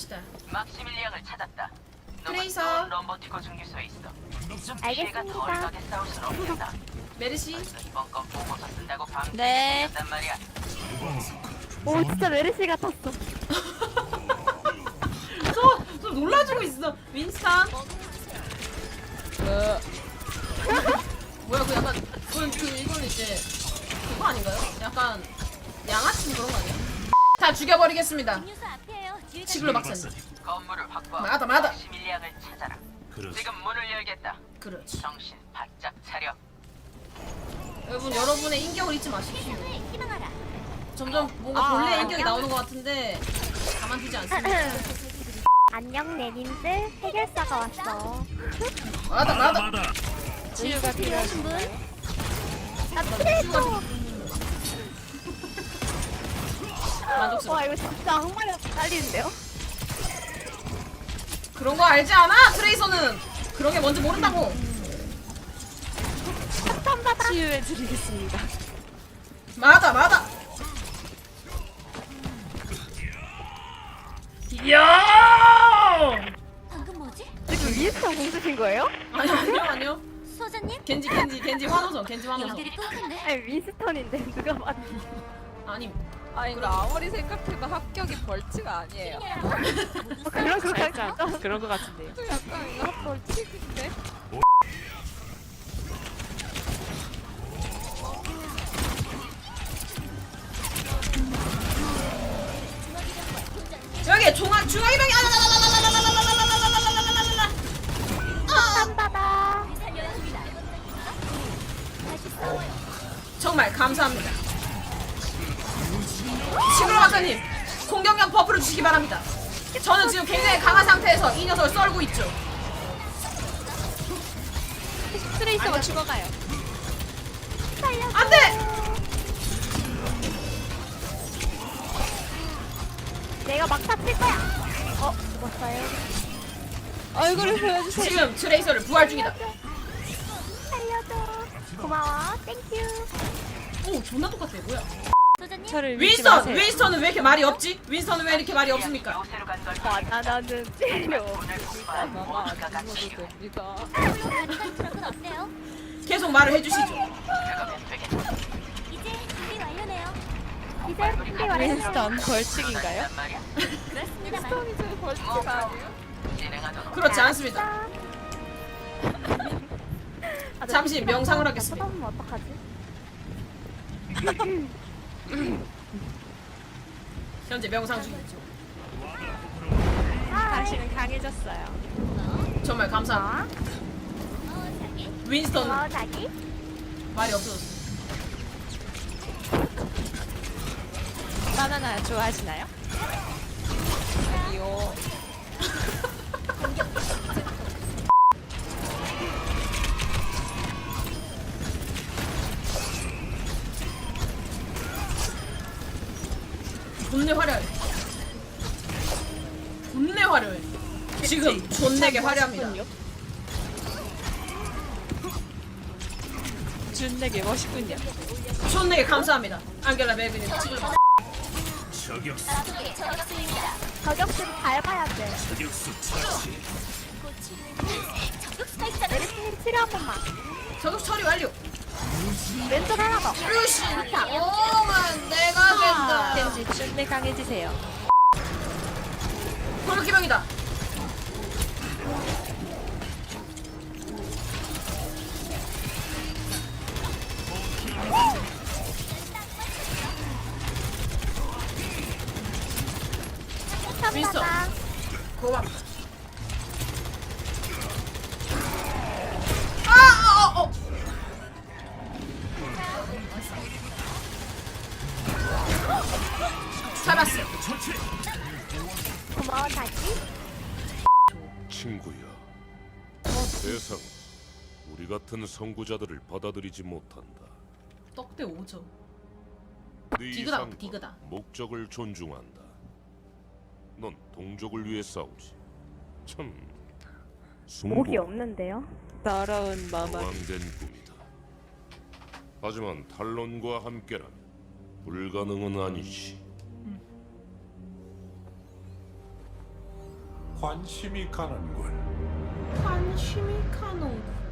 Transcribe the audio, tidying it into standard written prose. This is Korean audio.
갑시다. 막시밀리앙을 찾았다. 트레이서. 럼버티코 중기소에 있어. 좀 피해가 알겠습니다. 덜하게 싸울 순 없겠다. 메르시. 이번 건 보고서 쓴다고 방금 네. 단 말이야. 오 진짜 메르시 같았어. 저 놀라주고 있어. 윈스턴. 뭐야 그 약간 이건 이제 그거 아닌가요? 약간 양아치 그런 거 아니야? 다 죽여버리겠습니다. 시글로 박사님. 건물을 확보하고 맞아. 막시밀리앙을 찾아라. 그렇지. 지금 문을 열겠다. 그렇지. 정신 바짝 차려. 여러분 여러분의 인격을 잊지 마십시오. 점점 뭔가 본래 인격이 나오는 것 같은데 가만두지 않습니다. 안녕 내님들 해결사가 왔어. 맞아. 마다. 치유가 필요하신 분? 나 트레이서. 만족스러워. 와 이거 진짜 악마가 딸리는데요? 그런 거 알지 않아? 트레이서는 그런 게 뭔지 모른다고. 치유해드리겠습니다. 맞아. 이야! 방금 뭐지? 지금 위에서 공주신 거예요? 아니요. 소장님? 겐지 환호성. 연결이 끊긴데? 아니 윈스턴인데 누가 봐도. 아니 아니 근데 아무리 생각해도 합격이 벌칙 아니에요. 그런 거 약간 같죠? 그런 거 같은데요. 약간 이거 벌칙인데? 여기 중앙이병이 쌈바다. 정말 감사합니다. 시그로 박사님 공격력 버프를 주시기 바랍니다. 저는 지금 굉장히 강한 상태에서 이 녀석을 썰고 있죠. 트레이서가 죽어가요. 안돼! 내가 막타 칠 거야. 죽었어요. 얼굴을 보여주세요. 지금 트레이서를 부활 중이다. 살려줘. 고마워. 땡큐. 오 존나 똑같아. 뭐야? 소장님? 저를 믿지 마세요. 윈스턴은 왜 이렇게 말이 없지? 윈스턴은 왜 이렇게 말이 없습니까? 요새로 간걸 바나나는 찔려. 문을 확보한 마마 모두가 안 같이 죽어도 됩니다. 트럭은 어때요? 계속 말을 해주시죠. 들어가면 되겠다. 이제 준비 완료네요. 이제 준비 완료. 윈스턴 벌칙인가요? 단 말이야. 그렇습니다만. 윈스턴이 제 벌칙 아니에요? 진행하도록. 그렇지 않습니다. 잠시 명상을 하겠습니다. 쳐다보면 어떡하지? 현재 명상 중이죠. 당신은 강해졌어요. 정말 감사합니다. 윈스턴 고마워 자기. 말이 없어졌어. 바나나 좋아하시나요? 아니요. 존내 화려해. 존내 화려해. 지금 존내게 화려합니다. 준내게 멋있군요. 존내게 감사합니다. 안겔라 메그님 지금 저격수. 저격수를 잘 봐야 돼. 저격수 처치. 적극수가 있잖아. 메르시 치료 한 번만. 저격 처리 완료. 왼쪽 하나 더. 루시. 오만 내가 된다. 겐지 준내 강해지세요. 골기병이다. 윈스턴. 쌈바다. 고맙다. 잡았어. 처치. 고마워 자기. 친구야. 세상 우리 같은 선구자들을 받아들이지 못한다. 떡대 5점. 네 디그다, 이상과 디그다. 목적을 존중한다. 넌 동족을 위해 싸우지. 참 목이 없는데요? 더러운 마마. 모함된 꿈이다. 하지만 탈론과 함께라면 불가능은 아니지. 관심이 가는군. 관심이 가는